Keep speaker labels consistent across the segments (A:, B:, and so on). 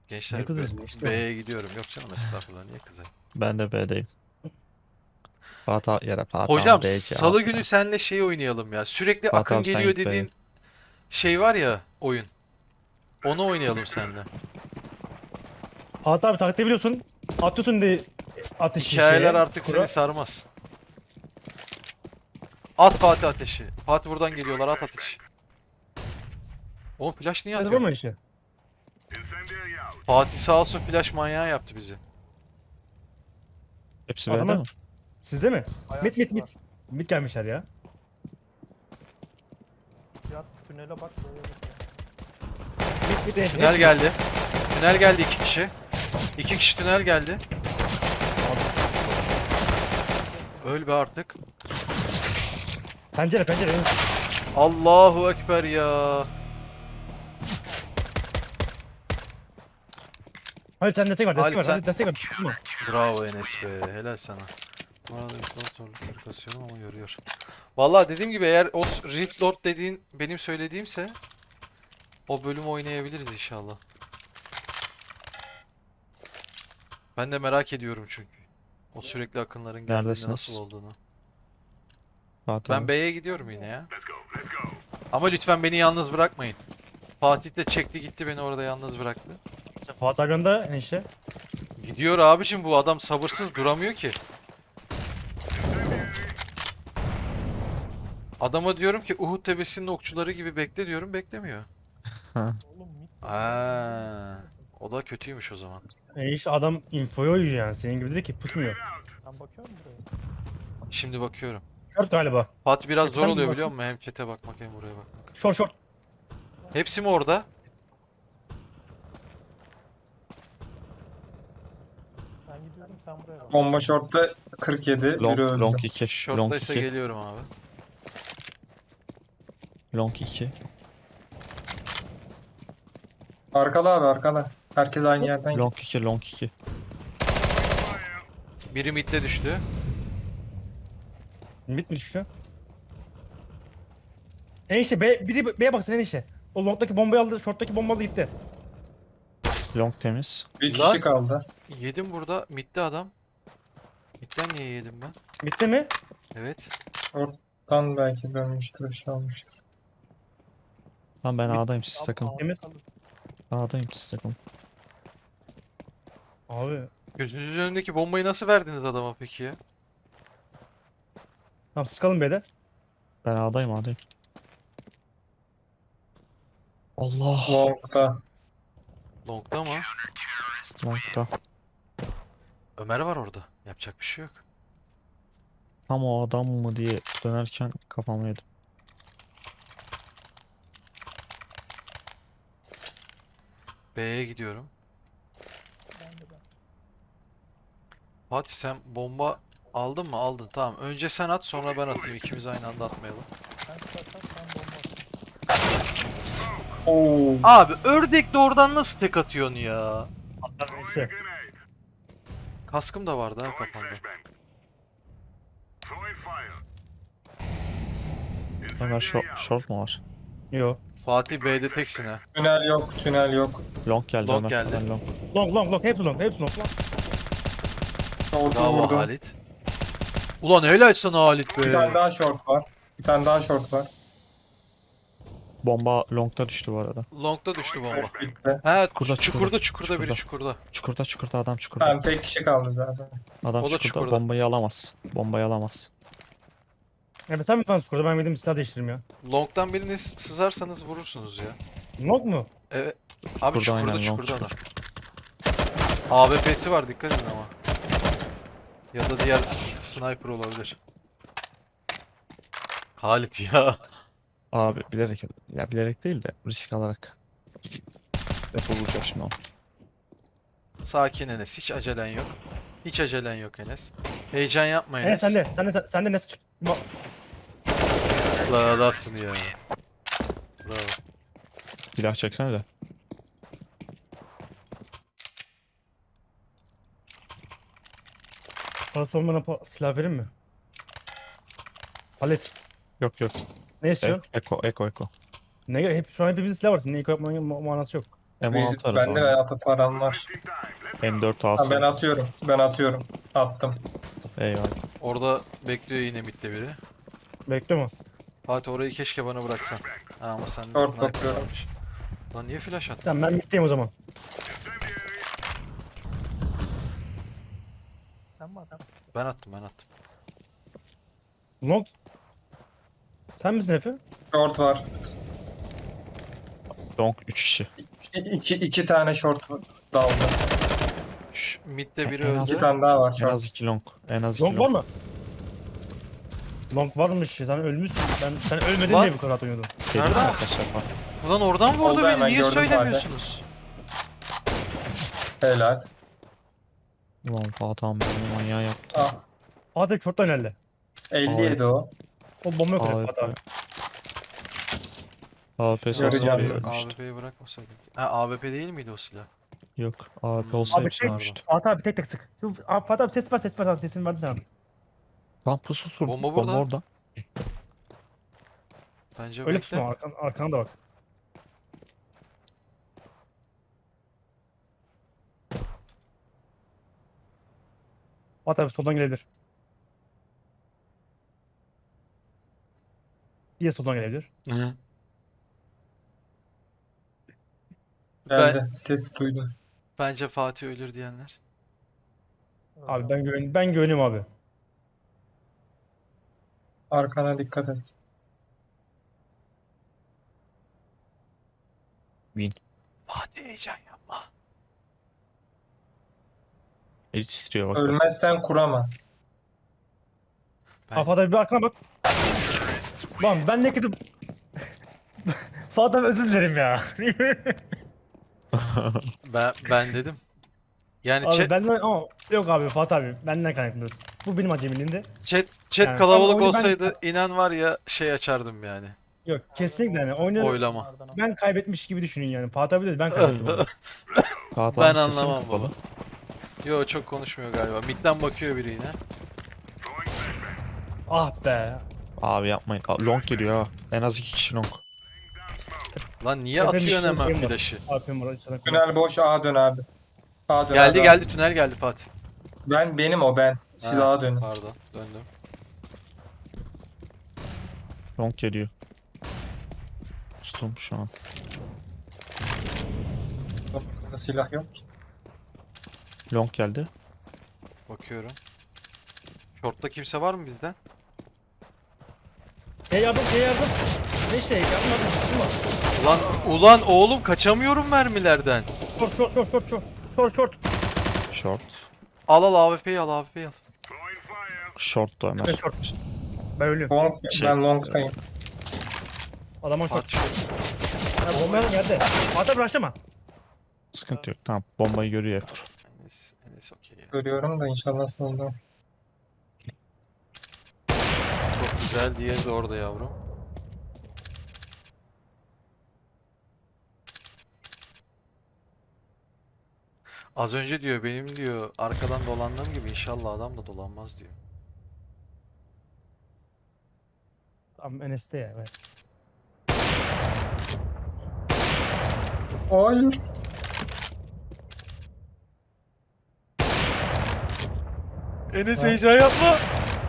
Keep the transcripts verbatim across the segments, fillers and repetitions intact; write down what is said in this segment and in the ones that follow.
A: Gençler
B: Ne
A: B-
B: kızıyorsun işte?
A: B'ye gidiyorum. Yok canım estağfurullah niye kızayım?
C: Ben de B'deyim. Fatih yere Fatih
A: Hocam
C: abi B C
A: salı
C: abi
A: günü
C: ya.
A: senle şey oynayalım ya. Sürekli
C: Fatih
A: akın
C: abi sen
A: geliyor
C: git B'ye.
A: dediğin şey var ya oyun. Onu oynayalım seninle.
B: Fatih abi taktiği biliyorsun. Atıyorsun de ateşi
A: Hikayeler
B: şeye,
A: artık seni
B: çukura.
A: sarmaz. At Fatih ateşi. Fatih buradan geliyorlar at ateşi. Oğlum flash niye
B: Hadi
A: atıyor?
B: vurma işte.
A: Fatih sağ olsun flash manyağı yaptı bizi.
C: Hepsi B'de
B: Adamlar
C: mi?
B: sizde mi?
D: Ayak
B: Mit mit
D: var.
B: mit. Mit gelmişler ya.
D: Yat tünele bak böyle bak.
B: Mit mit en
A: Tünel geldi. Tünel geldi iki kişi. İki kişi tünel geldi. Öl be artık.
B: Pencere pencere. evet.
A: Allahu Ekber ya.
B: Hadi sen destek ver destek
A: Halit
B: ver.
A: sen-
B: Hadi destek ver. Vurma.
A: Bravo Enes be. Helal sana. Bu arada Rift Lord zorlukları kasıyorum ama yoruyor. Vallahi dediğim gibi eğer o s- Rift Lord dediğin benim söylediğimse o bölümü oynayabiliriz inşallah. Ben de merak ediyorum çünkü. O sürekli akınların geldiğinde
C: Neredesiniz?
A: nasıl olduğunu.
C: Fatih
A: Ben
C: abi.
A: B'ye gidiyorum yine ya. Ama lütfen beni yalnız bırakmayın. Fatih de çekti gitti beni orada yalnız bıraktı.
B: Fatih abi yanında enişte.
A: Gidiyor abicim bu adam sabırsız duramıyor ki. Adama diyorum ki Uhud tepesinin okçuları gibi bekle diyorum beklemiyor.
C: Ha.
D: Oğlum mit.
A: Aa, o da kötüymüş o zaman.
B: Enişte adam infoya uyuyor yani. Senin gibi dedi ki pusmuyor.
D: Ben bakıyorum buraya.
A: Şimdi bakıyorum.
B: Short galiba.
A: Fatih biraz
B: Hep
A: zor
B: sen mi
A: oluyor
B: baktın?
A: biliyor musun? Hem chat'e bakmak hem buraya bakmak.
B: Short short.
A: Hepsi mi orada?
D: Ben gidiyorum sen buraya bak.
E: Bomba short'ta kırk yedi.
C: Long,
E: Biri öldü.
C: long iki. Long
A: Short'taysa
C: iki.
A: geliyorum abi.
C: Long iki.
E: Arkada abi arkada. Herkes aynı yerden gidiyor.
C: Long iki. Long iki.
A: Biri midde düştü.
B: Mit mi düştü? Enişte B, biri B'ye baksana enişte. O long'daki bombayı aldı, short'taki bombayı aldı gitti.
C: Long temiz.
E: Bir
A: Lan.
E: kişi kaldı.
A: Yedim burada. Midde adam. Midden niye yedim ben?
B: Bitti mi?
A: Evet.
E: Oradan belki dönmüştür, bir şey olmuştur.
C: Tamam ben
B: Bir-
C: A'dayım siz
D: Al-
C: takılın.
D: al-
B: Temiz.
D: al-
C: A'dayım siz takılın.
B: Abi.
A: Gözünüzün önündeki bombayı nasıl verdiniz adama peki ya?
B: Tamam siz kalın B'de.
C: Ben A'dayım A'dayım. Allah.
E: Long'da.
A: Long'da mı?
C: Long'da.
A: Ömer var orada. Yapacak bir şey yok.
C: Tam o adam mı diye dönerken kafamı yedim.
A: B'ye gidiyorum.
D: Ben de ben.
A: Fatih sen bomba aldın mı? Aldın. Tamam. Önce sen at sonra ben atayım. İkimiz aynı anda atmayalım.
D: Sen tutarsan ben bomba atayım.
E: Oo.
A: Abi ördek de oradan nasıl tek atıyorsun ya?
B: Atlar enişte.
A: Kaskım da vardı ha kafamda.
C: Ömer short, short mu var?
B: Yo.
A: Fatih B'de teksin ha.
E: Tünel yok, tünel yok.
C: Long geldi
A: Long
C: Ömer.
A: geldi.
C: Ben long.
B: Long long long hepsi long hepsi long.
E: Short'u
A: Bravo
E: vurdum.
A: Halit. Ulan helal sana Halit
E: Bir tane
A: be.
E: daha short var. Bir tane daha short var.
C: Bomba long'da düştü bu arada.
A: Long'da düştü bomba.
E: Bitti.
A: He
C: Çukurda,
A: çukurda çukurda,
C: çukurda.
A: biri çukurda.
C: Çukurda çukurda adam çukurda.
E: Tamam tek kişi kaldı zaten.
C: Adam
A: O da
C: çukurda,
A: çukurda.
C: bombayı alamaz. Bombayı alamaz.
B: Evet sen mi falan skorda ben bildiğim silah değiştiririm ya.
A: Long'dan birini s- sızarsanız vurursunuz ya.
B: Long mu?
A: Evet. Abi
C: Çukurda
A: çukurda
C: aynen, long
A: çukurda adam.
C: çukur.
A: A W P'si var dikkat edin ama. Ya da diğer sniper olabilir. Halit ya.
C: Abi bilerek, ya bilerek değil de risk alarak. Defol vuracak şimdi o.
A: Sakin Enes hiç acelen yok. Hiç acelen yok Enes. Heyecan yapma
B: Evet
A: Enes.
B: sende sende sende nasıl çık? Ba-
A: La adamsın ya. Bravo.
C: Silah çeksene de.
B: Parası olmadan pa- silah verir mi? Halit.
C: Yok yok.
B: Ne
C: E
B: istiyorsun?
C: eko, eko, eko.
B: Ne gerek? Hep, şu an hepimizin silah var. Senin ilk yapmanın ma- manası yok.
C: M on
E: Biz,
C: altı var.
E: bende hayatı param var.
C: M dört
E: Ha,
C: alsın.
E: ben atıyorum. Ben atıyorum. Attım.
C: Eyvallah.
A: Orada bekliyor yine midde biri.
B: Bekliyor mu?
A: Fatih orayı keşke bana bıraksan. Ha, ama sen
E: Short
A: sniper
E: bakıyorum.
A: varmış. Lan niye flash attın?
B: Tamam ben middeyim o zaman.
D: Sen mi adam?
A: Ben attım ben attım.
B: Long. Sen misin Efe?
E: Short var.
C: Long üç kişi.
E: İki, iki tane short daldı.
A: Şş, midde biri
C: En az-
E: İki
A: öldü.
E: tane daha var
C: En
E: short.
C: az iki long. En az iki
B: Long var
C: long.
B: mı? Long varmış. Sen ölmüşsün. Ben sen ölmedin
A: Var.
B: diye bu kadar oynuyordum.
C: Dedim
A: Nerede?
C: arkadaşlar bak.
A: Ulan oradan vurdu
E: Oldu,
A: beni.
E: hemen
A: Niye
E: gördüm
A: söylemiyorsunuz?
E: Helal.
C: Ulan Fatih abi beni manyağı yaptı.
E: Ah,
B: Fatih short'tan herhalde.
E: elli yedi o.
B: O bomba yok
C: Abi,
B: oraya Fatih abi.
C: A W P
E: Göreceğim.
C: olsa
E: Yok,
C: ölmüştü.
A: A W P'yi bırakmasaydık. Ha A W P değil miydi o silah?
C: Yok. A W P
A: Hmm.
C: olsa
B: Abi
C: hepsi
B: tek,
C: ölmüştü.
B: Fatih abi tek tek sık. Yok, abi, Fatih abi ses var ses var tamam sesini verdi sana.
C: Lan pusu sur.
A: Bomba
C: Bomba,
A: burada.
C: orada.
A: Bence
B: Öyle
A: bekle.
B: tutma arkan, arkana da bak. Fatih abi soldan gelebilir. Diye soldan gelebilir.
A: Hı.
E: Geldi. Ses duydum.
A: Bence Fatih ölür diyenler.
B: Abi ben güven ben güveniyorum abi.
E: Arkana dikkat et.
C: Win.
A: Fatih heyecan yapma.
C: Eli titriyor bak. bak.
E: Ölmezsen kuramaz.
A: Bence-
B: Abi Fatih abi bir arkana bak. Lan ben ne kötü... Fatih abi özür dilerim ya.
A: Ben, ben dedim. Yani
B: Abi
A: chat,
B: benden ama yok abi Fatih abi benden kaynaklı. Bu benim acemiliğimde.
A: chat, chat
B: Yani
A: kalabalık
B: tam oyunu ben-
A: olsaydı inan var ya şey açardım yani.
B: Yok kesinlikle yani oyunu
A: Oylama.
B: ben kaybetmiş gibi düşünün yani. Fatih abi dedi ben kaybettim. oyunu.
C: Fatih
A: Ben
C: abi sesi mi
A: anlamam
C: kapalı?
A: baba. Yo çok konuşmuyor galiba. Mid'den bakıyor biri yine.
B: Ah be.
C: Abi yapmayın. Aa, long geliyor ha. En az iki kişi long.
A: Lan niye
B: Efendim,
A: atıyorsun
B: şey
A: hemen
B: var.
A: flash'ı?
B: Alp'im var. Sana koy.
E: Tünel boş, A dön abi. A dön
A: Geldi
E: abi.
A: geldi tünel geldi Fatih.
E: Ben benim o ben. Siz
A: Ha,
E: A dönün.
A: Pardon döndüm.
C: Long geliyor. Kustum şu an.
E: Burada silah yok ki.
C: Long geldi.
A: Bakıyorum. Short'ta kimse var mı bizden?
B: Şey yardım şey yardım. Ne şey yardım yardım. Şuna.
A: Ulan ulan oğlum kaçamıyorum mermilerden.
B: Short short short short short. Short short.
C: Short.
A: Al al A W P'yi al A W P'yi al.
C: Short da Ömer.
B: Ben short. Ben ölüyorum.
E: Long,
C: Şey-
E: ben long'tayım.
B: Adamın short.
A: Fatih short.
B: Ya bomba geldi. Fatih abi başlama.
C: Sıkıntı yok. Tamam. Bombayı görüyor Efor.
A: Enes, Enes okey ya.
E: Görüyorum da inşallah soldan.
A: Çok güzel diğeri de orada yavrum. Az önce diyor benim diyor arkadan dolandığım gibi inşallah adam da dolanmaz diyor.
B: Tamam Enes'te ya. Evet.
E: Hayır.
A: Enes heyecan yapma.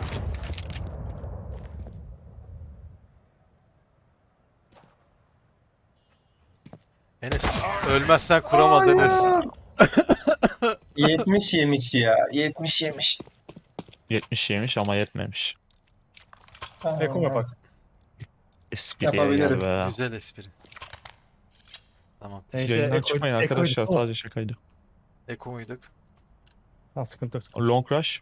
A: Enes ölmezsen kuramaz Enes.
E: yetmiş yemiş ya. yetmiş yemiş.
C: yetmiş yemiş ama yetmemiş.
B: Eko yapak.
C: Espriye
E: Yapabiliriz.
C: gel be.
A: Güzel espri. Tamam.
B: Neyse,
C: Yayından
B: Eko-
C: çıkmayın
B: Eko'ydu,
C: arkadaşlar.
B: tamam.
C: Sadece şakaydı.
A: Eko muyduk?
B: Ha sıkıntı yok. sıkıntı yok.
C: Long rush.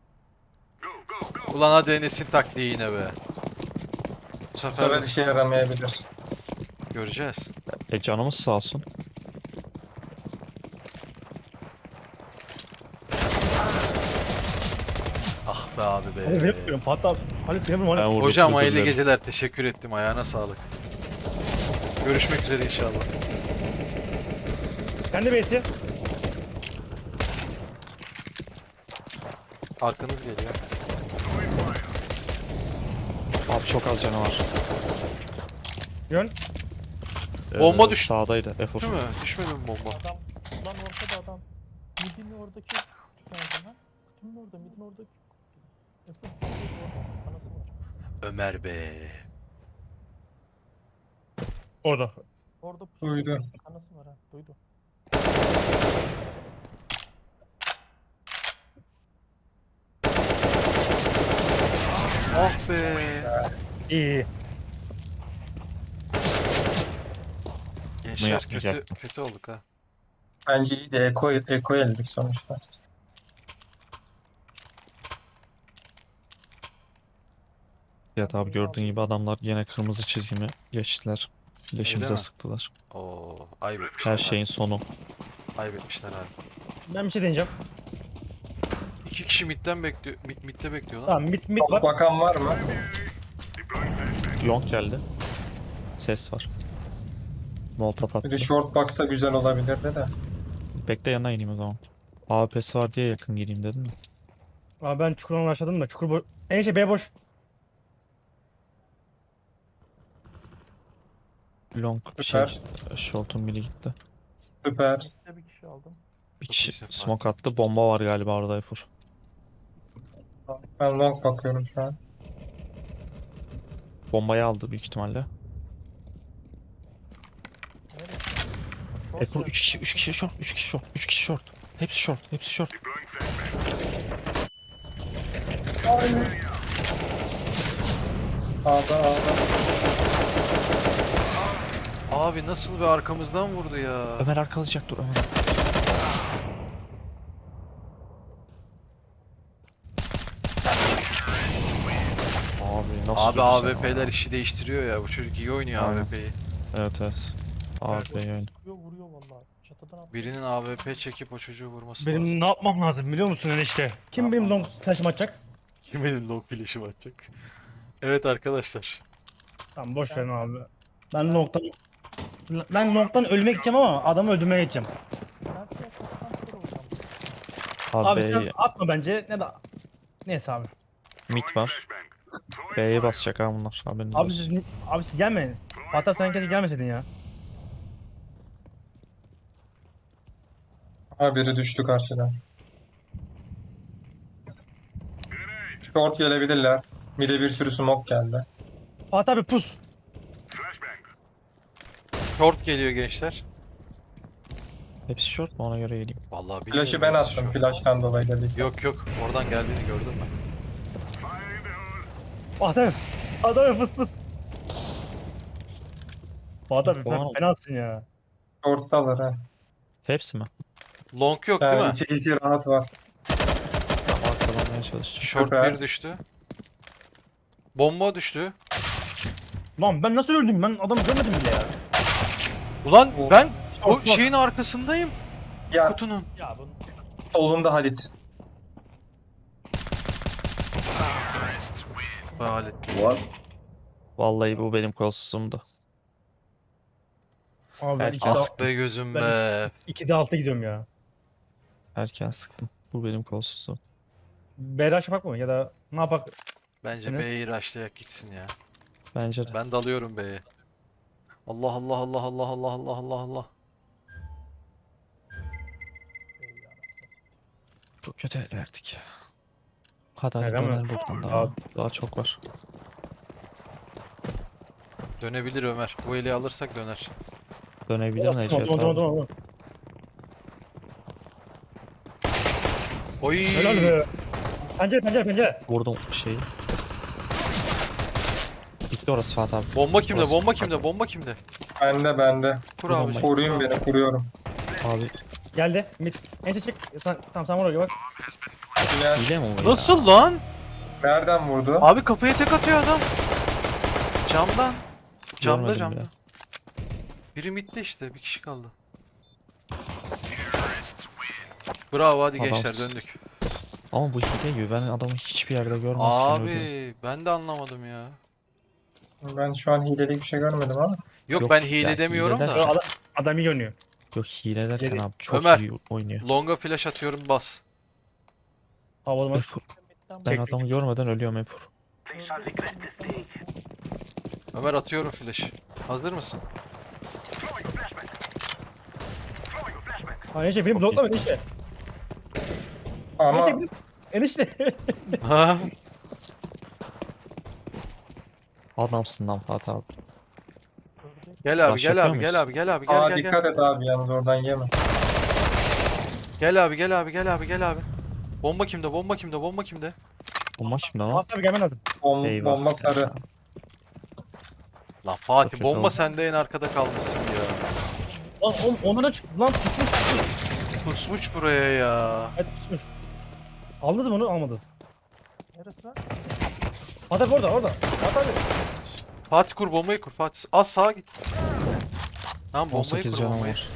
A: Ulan hadi Enes'in taktiği yine be. Bu
E: Bu
A: sefer
E: sefer işe yaramayabilir.
A: göreceğiz.
C: E canımız sağ olsun.
A: Ah be abi
B: Hadi
A: be.
B: ben yapıyorum Fatih abi. Hadi ben yapıyorum.
C: Ben
B: Hadi.
C: vurdum,
A: Hocam
C: özür
A: hayırlı
C: dilerim.
A: geceler. Teşekkür ettim. Ayağına sağlık. Görüşmek üzere inşallah.
B: Kendi base'i.
A: Arkanız geliyor.
C: Abi çok az canı var.
B: Yön.
A: Bomba
C: Ee,
A: düştü.
C: Sağdaydı Efor.
A: Değil mi? Düşmedi mi bomba?
D: Adam, lan ortada adam. Midin oradaki nerede lan? Kutunun orada, midin oradaki. Efe, orada. Anası var.
A: Ömer be.
B: Orada.
D: Orada pusu.
E: Duydu.
D: Anası var ha, duydu.
A: Ah be.
B: İyi iyi.
A: Gençler kötü,
C: yapmayacaktım.
A: kötü olduk ha.
E: Bence iyi de Eko, Eko eldik sonuçta.
C: Ya abi gördüğün gibi adamlar yine kırmızı çizgimi geçtiler.
A: Öyle
C: Leşimize
A: mi?
C: sıktılar.
A: Oo, ayıp etmişler.
C: Her şeyin
A: abi.
C: sonu.
A: Ayıp etmişler abi.
B: Ben bir şey deneyeceğim.
A: İki kişi midden bekliyor. Mid, midde bekliyor lan.
B: Tamam mid mid var.
E: Bakan var mı?
C: Long geldi. Ses var. Molotov
E: Bir
C: attı.
E: de short baksa güzel olabilirdi de.
C: Bekle yanına ineyim o zaman. A W P'si var diye yakın gireyim dedim mi?
B: Abi ben çukurdan başladım da çukur boş. En şey B boş.
C: Long şey,
E: Süper.
C: short'un biri gitti.
E: Süper.
D: Midde bir kişi aldım.
C: Bir
A: Çok
C: kişi
A: iyisin Fatih.
C: smoke attı. Bomba var galiba orada Efor.
E: Ben long bakıyorum şu an.
C: Bombayı aldı büyük ihtimalle.
D: Nerede? Short
C: Efor
D: geldi.
C: üç kişi üç kişi short üç kişi short üç kişi short. Hepsi short hepsi short.
E: A'da A'da.
A: Abi nasıl bir arkamızdan vurdu ya.
C: Ömer arkalayacak dur Ömer. Abi nasıl
A: Abi
C: diyorsun sen?
A: A W P'ler işi değiştiriyor ya. Bu çocuk iyi oynuyor
C: Aynen.
A: A W P'yi.
C: Evet evet. Abi oyun.
D: Vuruyor vuruyor vallahi. Çatıdan at.
A: Birinin A W P çekip o çocuğu vurması
B: Benim
A: lazım.
B: ne yapmam lazım biliyor musun enişte? Kim
A: Ne
B: benim
A: yapmam
B: long
A: lazım?
B: flash'ımı atacak?
A: Kim benim long flash'ım atacak? Evet arkadaşlar.
B: Tamam boş verin abi. Ben long'tan ben long'tan ölmek gideceğim ama adamı öldürmeye gideceğim.
D: Ben size çatıdan kör olacağım.
C: Abi,
B: Abi sen
C: B'ye
B: atma bence ne de neyse abi.
C: mid var. B'ye basacak ha bunlar. Haberiniz
B: Abi
C: olsun.
B: siz abi siz gelmeyin. Hatta sen keşke gelmeseydin ya.
E: Ha biri düştü karşıdan. Short gelebilirler. Mid'e bir sürü smoke geldi.
B: Fatih abi pus.
A: Short geliyor gençler.
C: Hepsi short mu ona göre geleyim.
A: Vallahi bilmiyorum.
E: Flash'ı ben
A: neresi
E: attım.
A: short.
E: Flash'tan dolayı dediyse.
A: Yok yok. Oradan geldiğini gördüm ben.
B: Fatih abi. Fatih abi pıs pıs. Fatih abi sen
C: Tamam.
B: fenasın ya.
E: Short'talar ha.
C: Hepsi mi?
A: Long yok değil
E: Yani
A: mi?
E: iki iki rahat var.
C: Tamam arkalamaya çalışacağım.
A: Short
E: Süper.
A: bir düştü. Bomba düştü.
B: Lan ben nasıl öldüm? Ben adamı görmedim bile ya.
A: Ulan
E: O-
A: ben o
B: Short, short.
A: şeyin arkasındayım.
E: Ya
A: Kutunun.
B: Ya bunu.
E: solunda Halit.
A: Hallettim.
C: Vallahi bu benim kolsuzumdu.
B: Abi ben
C: Erken
B: ikide,
C: sık-
A: Ah be gözüm
B: Ben-
A: be.
B: ikide alta gidiyorum ya.
C: Erken sıktım. Bu benim kolsuzum.
B: B rush yapak mı ya da ne yapak?
A: Bence
B: Enes?
A: B'yi rushlayak gitsin ya.
C: Bence de.
A: Ben dalıyorum B'ye. Allah Allah Allah Allah Allah Allah Allah Allah.
D: Ey anasını satayım.
C: Çok kötü el verdik ya. Hadi hadi
B: Öyle mi?
C: dönelim buradan daha.
B: Abi.
C: Daha çok var.
A: Dönebilir Ömer. Bu eli alırsak döner.
C: Dönebilir Necdet
B: Tamam tamam
C: abi.
B: tamam tamam.
A: Oy.
B: Helal be. Pencere pencere pencere.
C: Vurdum şeyi. Bitti orası Fatih abi.
A: Bomba kimde?
C: Orası-
A: Bomba kimde? Bomba kimde?
E: Bende bende.
A: Kur
C: Bu
A: abi.
C: bombayı-
E: Koruyun beni kuruyorum.
C: Abi
B: Geldi. Mid. Ense çık. Sen, tamam sen vur bak.
E: Diğer
C: hile mi bu ya?
A: Nasıl lan?
E: nereden vurdu?
A: Abi kafaya tek atıyor adam. Camdan. Camda
C: Görmedim
A: camda.
C: bile.
A: Biri midde işte. Bir kişi kaldı. Bravo hadi gençler
C: Adamsın.
A: döndük.
C: Ama bu hile gibi. Ben adamı hiçbir yerde görmezken öldüm.
A: Abi ben de anlamadım ya.
E: Ben şu an hileli bir şey görmedim ama.
A: Yok,
C: Yok,
A: ben hile
C: ya
A: demiyorum
C: hileler-
A: da.
B: Adam, adam iyi oynuyor.
C: Yok hile derken
B: Geri-
C: abi çok
A: Ömer.
C: iyi oynuyor.
A: Longa flash atıyorum bas.
B: Havalı maç.
C: Efor,
D: Midden
C: ben
B: Çek.
C: adamı görmeden ölüyorum Efor.
A: Ömer atıyorum flash. Hazır mısın?
B: Ha enişte beni bloklama enişte.
E: Ama
B: Enişte beni- Enişte.
A: Ha?
C: Adamsın lan Fatih abi.
D: Gördük.
A: Gel abi
C: Rush
A: gel
C: yapıyor
A: abi
C: muyuz?
A: gel abi gel abi gel
E: aa
A: gel
E: dikkat
A: gel.
E: et abi yalnız oradan yeme.
A: Gel abi gel abi gel abi gel abi. Bomba kimde bomba kimde bomba kimde?
C: Bomba kimde lan?
B: Fatih abi gelmen lazım.
E: Bom
C: Eyvah.
E: bomba sarı.
C: Ya.
A: Lan Fatih
C: Çok kötü
A: bomba
C: oldu.
A: sende en arkada kalmışsın ya.
B: Lan oğlum onlara çık. Lan pusmuş.
A: Pusmuş buraya ya.
B: Evet pusmuş. Aldınız mı onu? Almadınız.
D: Neresi lan?
B: Fatih abi orada orada. Fatih abi.
A: Fatih kur bombayı kur Fatih. Az sağa git. Tamam
C: on
A: bombayı
C: sekiz
A: kur
C: canım
A: bombayı.
C: var.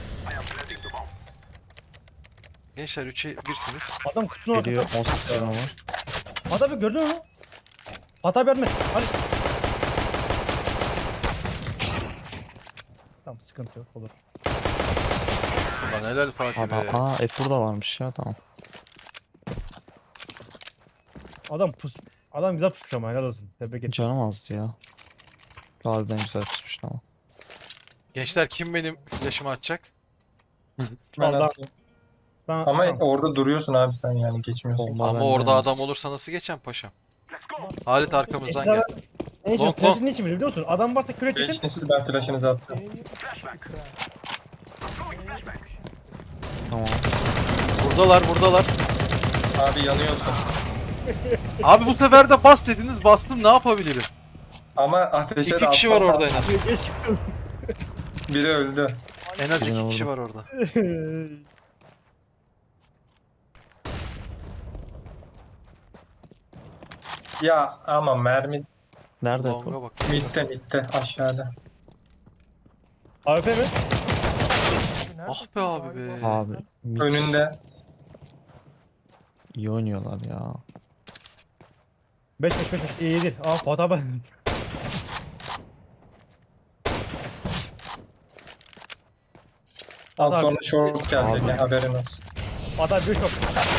A: Gençler üçe birsiniz.
B: Adam kutunun
C: Geliyor
B: arkasında.
C: on sekiz canım var.
B: Fatih abi gördün mü? Fatih abi yardım et. Hadi. Tamam sıkıntı yok olur.
A: Lan helal Fatih
C: Adam,
A: be.
C: aa F burada varmış ya tamam.
B: Adam pus. Adam güzel pusmuş ama helal olsun. Tebrik ederim.
C: Canım azdı ya. Harbiden güzel pişmiş ama.
A: Gençler kim benim flash'ımı atacak?
E: Ben
B: Vallahi-
E: atayım.
B: Ben,
E: Ama
B: tamam.
E: orada duruyorsun abi sen yani geçmiyorsun.
C: Bomba
A: Ama
C: benden
A: orada
C: yalnız.
A: adam olursa nasıl geçeceğim paşam? Halit arkamızdan
B: Eşler-
A: gel.
B: Ne için?
A: Long,
B: Flash'ın ne için biliyor musun? Adam varsa kürek için.
E: Geçiniz ben flash'ınızı attım.
D: E'yi Ekran.
C: Tamam.
A: Buradalar buradalar.
E: Abi yanıyorsun.
A: Abi bu sefer de bas dediniz bastım ne yapabilirim?
E: Ama ateşe
A: İki
E: de
A: kişi var
E: atma.
A: orada en az.
E: Biri öldü.
A: En az
C: Birine
A: iki kişi
C: vurdum.
A: var orada.
E: Ya ama mermi
C: Nerede bu?
A: Long'a bak.
E: midde midde aşağıda.
B: A W P mi?
A: Ah be abi be.
C: Abi mid
E: Önünde.
C: iyi oynuyorlar ya.
B: beş beş beş beş. İyi iyidir. Aa Fatih abi.
E: Az
B: Abi.
E: sonra short gelecek ya haberin olsun.
B: Fatih abi bir şok.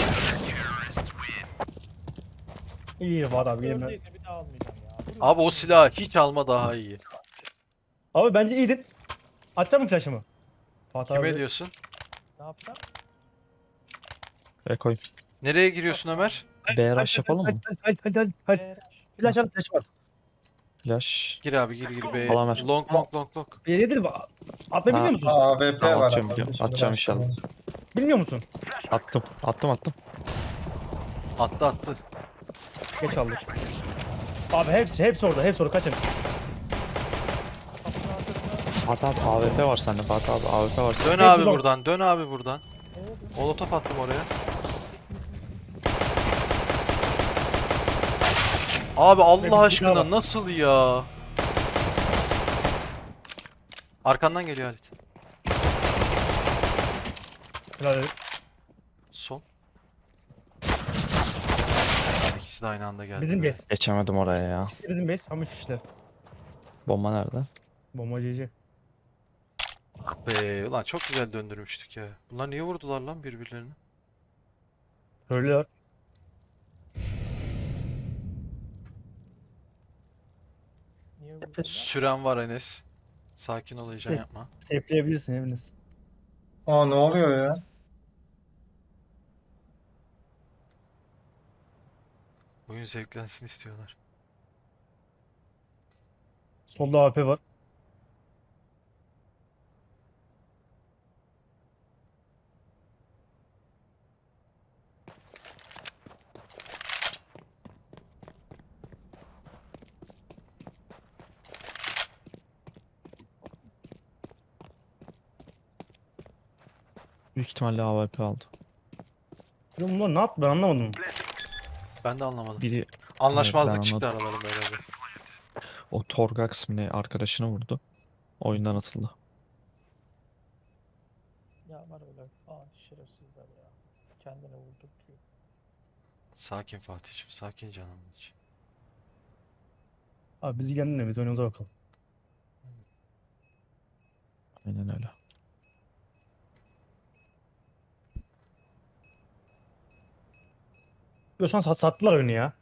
B: İyi Fatih abi. Yemin ederim.
D: Gördüğünü bir daha almayacağım ya. Dur
A: Abi o silahı hiç alma daha iyi.
B: Abi bence iyiydin. Atacak mı flash'ımı? Fatih
A: Kime
B: abi.
A: diyorsun?
D: Ne yapacağım?
C: Ekoy.
A: Nereye giriyorsun Ömer?
C: B rush yapalım mı?
B: Hadi hadi hadi hadi.
D: Eee,
B: Flash at flash var.
C: Flash.
A: Gir abi gir gir be.
C: Falan ver.
A: Long long long long.
B: İyidir. Atmayı
C: Ha.
B: bilmiyor musun?
E: A W P
C: Tamam,
E: var.
C: atıyorum,
E: abi.
C: biliyorum.
E: Şimdi
C: Atacağım
E: başlayalım.
C: inşallah.
B: Bilmiyor musun?
C: Attım. Attım attım.
A: Attı attı.
B: Geç aldık. Abi hepsi hepsi orada hepsi orada kaçın.
D: kapının arkasına
C: Fatih abi A W P var sende Fatih abi A W P var sende.
A: Dön
B: Hepsi
A: abi
B: long.
A: buradan. Dön abi buradan.
D: E'ye dur.
A: Molotof attım oraya. Abi
B: Bir
A: Allah
B: daha var.
A: aşkına nasıl ya? Arkandan geliyor Halit.
B: Helal edin.
A: Sol. İkisi de aynı anda geldi.
B: Bizim
A: be.
B: base.
C: Geçemedim oraya ya.
B: İşte bizim base. Ama şu işte.
C: Bomba nerede?
B: Bombacıcı.
A: Ah be ulan çok güzel döndürmüştük ya. Bunlar niye vurdular lan birbirlerini?
B: Söylüyor.
D: Niye vurdun?
A: Süren var Enes. Sakin ol heyecan
B: Se-
A: yapma.
B: Safe'leyebilirsin eviniz.
E: Aa ne oluyor ya?
A: Oyun zevklensin istiyorlar.
B: Solda A W P var.
C: Büyük ihtimalle A W P aldı.
B: Ya bunlar ne yaptı ben anlamadım.
A: Ben de anlamadım.
C: Biri
A: Anlaşmazlık
C: ben
A: çıktı
C: anladım.
A: aralarında herhalde.
C: o Torgax mı ne arkadaşını vurdu. Oyundan atıldı.
D: Ya var öyle. Aa şerefsizler ya. Kendine vurdurtuyor.
A: Sakin Fatih'ciğim, sakin canım için.
B: Abi biz ilgilendirmiyor biz oyunumuza bakalım.
C: Aynen öyle.
B: Yo, şu an sat- sattılar oyunu ya.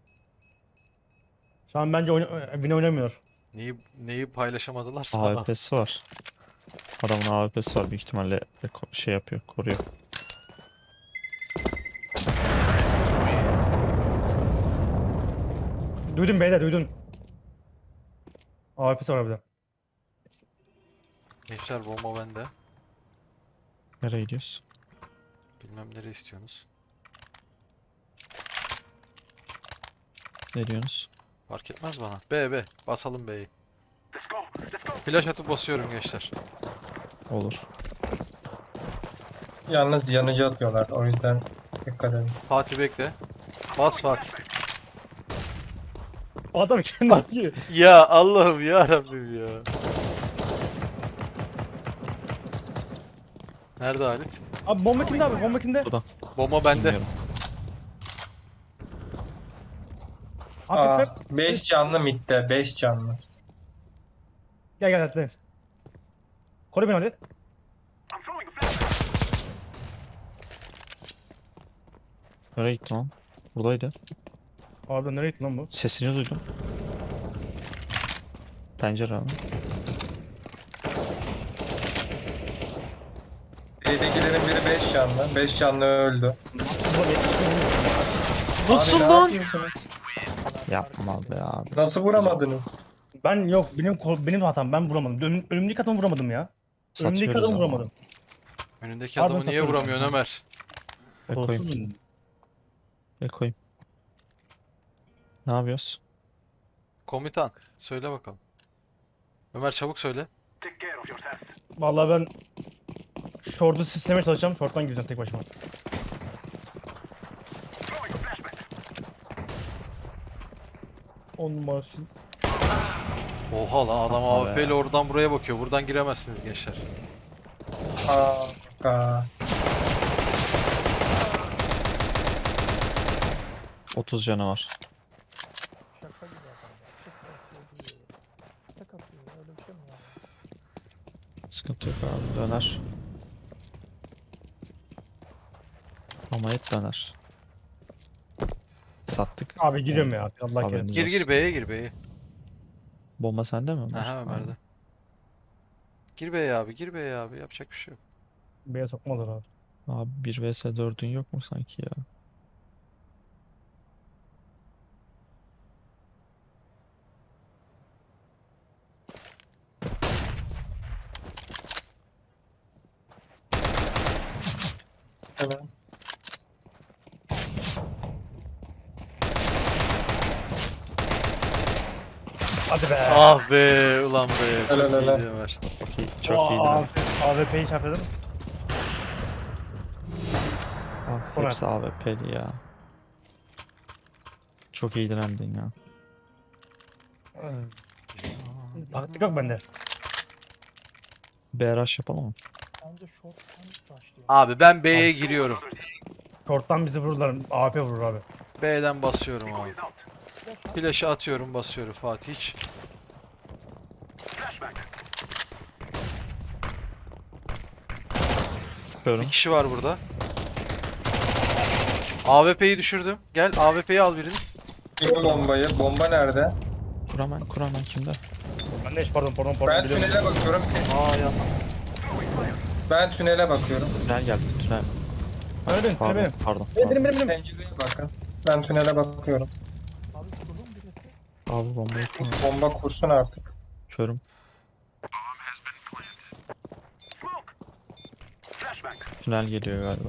B: Şu an bence oyna Win oynamıyor.
A: Neyi neyi paylaşamadılar
C: A
A: sana?
C: W P'si var. Adamın A W P'si var büyük ihtimalle ko- şey yapıyor, koruyor.
B: Duydun beyler duydun. A W P'si var harbiden.
A: Gençler bomba bende.
C: Nereye gidiyoruz?
A: Bilmem nereye istiyorsunuz.
C: Ne diyorsunuz?
A: Fark etmez bana. B B. Basalım B'yi. Flash atıp basıyorum gençler.
C: Olur.
E: Yalnız yanıcı atıyorlar. O yüzden dikkat edin.
A: Fatih bekle. Bas Fatih.
B: Adam kendi yapıyor.
A: Ya Allah'ım ya Rabbim ya. Nerede Halit?
B: Abi bomba kimde abi? Bomba kimde?
C: Burada.
A: Bomba bende.
C: Bilmiyorum.
E: Aa,
B: Abi sen
E: beş canlı midde. beş canlı.
B: gel gel Deniz. Koru beni Halit.
C: Nereye gitti lan? Buradaydı.
B: Abi nereye gitti lan bu?
C: Sesini duydum. Pencere abi.
E: B'dekilerin biri beş canlı. beş canlı öldü.
A: Nasıl
E: Abi ne
A: lan?
E: yapıyorsunuz?
C: Yapma be abi.
E: Nasıl vuramadınız?
B: Ben yok benim kol- benim hatam ben vuramadım. Önüm, önümdeki adamı vuramadım ya. Önümdeki
C: Satıyoruz
B: adamı
C: ama.
B: vuramadım.
A: Önündeki
B: Pardon,
A: adamı niye
B: satıyorum.
A: vuramıyorsun Ömer?
C: Ekoyim.
B: Olsun.
C: Ekoyim. Ne yapıyoruz?
A: Komutan söyle bakalım. Ömer çabuk söyle.
B: Vallahi ben short'u sistemeye çalışacağım. Short'tan gireceğim tek başıma. On numarasıyız.
A: Oha lan adam
C: Yapma
A: A W P ile
C: be.
A: oradan buraya bakıyor. Buradan giremezsiniz gençler.
E: Aa, aa.
C: otuz canı var.
D: Şaka gibi adam ya. Tek atıyor diyor. Tek atıyor. Öyle bir şey mi var?
C: Sıkıntı yok abi. Döner. Ama hep döner. Sattık.
B: Abi giriyorum ya. Allah
C: Abi,
B: kerim.
A: Gir gir B'ye gir B'ye.
C: Bomba sende mi Ömer?
A: Aha Ömer'de. Gir B'ye abi gir B'ye abi yapacak bir şey yok.
B: B'ye sokmadılar abi.
C: Abi bir vs dördün yok mu sanki ya?
E: Evet.
B: Hadi be.
A: Ah be ulan be. Çok
E: Helal, helal.
A: iyiydi Ömer.
C: Çok iyi. Çok iyiydi. lan.
B: A W P'yi çarptın.
C: Abi,
B: Ömer.
C: hepsi A W P'li ya. Çok iyi direndin ya.
B: Taktik yok bende.
C: B rush yapalım mı?
D: Bence short'tan başlıyor.
A: Abi ben B'ye giriyorum.
B: Short'tan bizi vururlar. A W P vurur abi.
A: B'den basıyorum abi. Flash'ı atıyorum basıyorum Fatih hiç.
C: Yapıyorum.
A: Bir kişi var burada. A W P'yi düşürdüm. Gel A W P'yi al birini.
E: Kim bombayı? Bomba nerede?
C: Kuramen, Kuramen kimde?
B: Ben de hiç pardon pardon pardon.
E: Ben
B: biliyorum.
E: tünele bakıyorum. Siz
A: Aa ya.
E: ben tünele bakıyorum.
C: Tünel geldi, tünel.
B: Öyle benim. Öyle
C: Pardon,
B: benim.
C: pardon.
B: Benim
C: pardon.
B: benim benim.
E: Pencereye bakın. Ben tünele bakıyorum.
D: Abi kurulun birisi.
C: Abi bombayı kur.
E: Bomba kursun artık.
C: Körüm. Tünel geliyor galiba.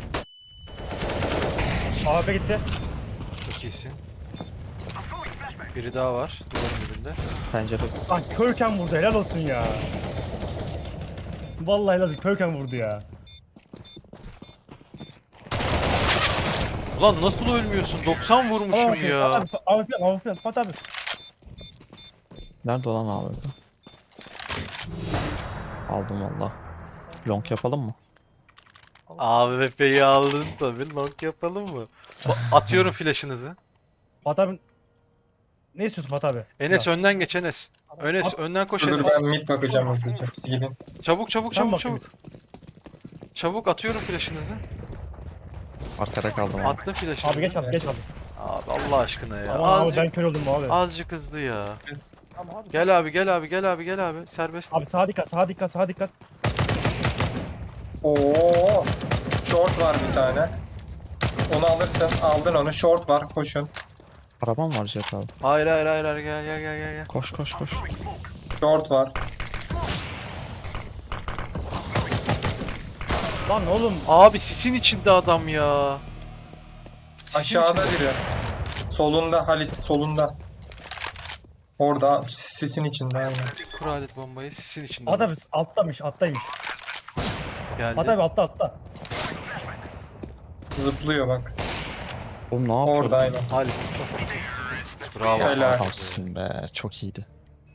B: A W P gitti.
A: Çok iyisin. Biri daha var duvarın dibinde.
C: Pencere.
B: Lan körken vurdu helal olsun ya. Vallahi helal olsun körken vurdu ya.
A: Ulan nasıl ölmüyorsun? doksan vurmuşum ya.
B: Abi A W P A W P Fatih abi.
C: Nerede olan abi? Aldım valla. Long yapalım mı?
A: A W P'yi aldın tabi. Long yapalım mı? Ba- Atıyorum flash'ınızı.
B: Fatih abi. Ne istiyorsun Fatih abi?
A: Enes önden geç Enes. Enes önden koş
E: Dur
A: Enes.
E: ben mid bakacağım hızlıca. Siz gidin.
A: Çabuk çabuk
B: Sen
A: çabuk
B: bak
A: çabuk. Çabuk atıyorum flash'ınızı.
C: Arkada kaldım abi.
A: Attım flash'ınızı.
B: Abi geç abi geç abi.
A: Abi Allah aşkına ya.
B: Aman abi
A: Azıcık,
B: ben kör oldum abi.
A: azıcık hızlı ya.
E: Biz
D: Ama Abi,
A: Gel abi gel abi gel abi gel abi. Serbest.
B: Abi sağa dikkat, sağa dikkat, sağa dikkat.
E: Oo. Short var bir tane. Onu alırsın. Aldın onu. Short var. Koşun.
C: Arabam var Jet abi.
A: Hayır hayır hayır hayır gel gel gel gel. gel.
C: Koş koş koş.
E: Short var.
B: Lan oğlum.
A: Abi sisin içinde adam ya. Sisin
E: Aşağıda
A: içinde.
E: biri. Solunda Halit. Solunda. Orada. Sisin içinde aynen.
A: Kur alet bombayı sisin içinde.
B: Adam alttamış, alttaymış.
A: Geldi.
B: Adam altta, altta.
E: Zıplıyor bak.
C: Oğlum ne yapıyor?
E: Orada aynen.
A: Halit. Bravo.
E: Helal.
C: Adamsın be. Çok iyiydi.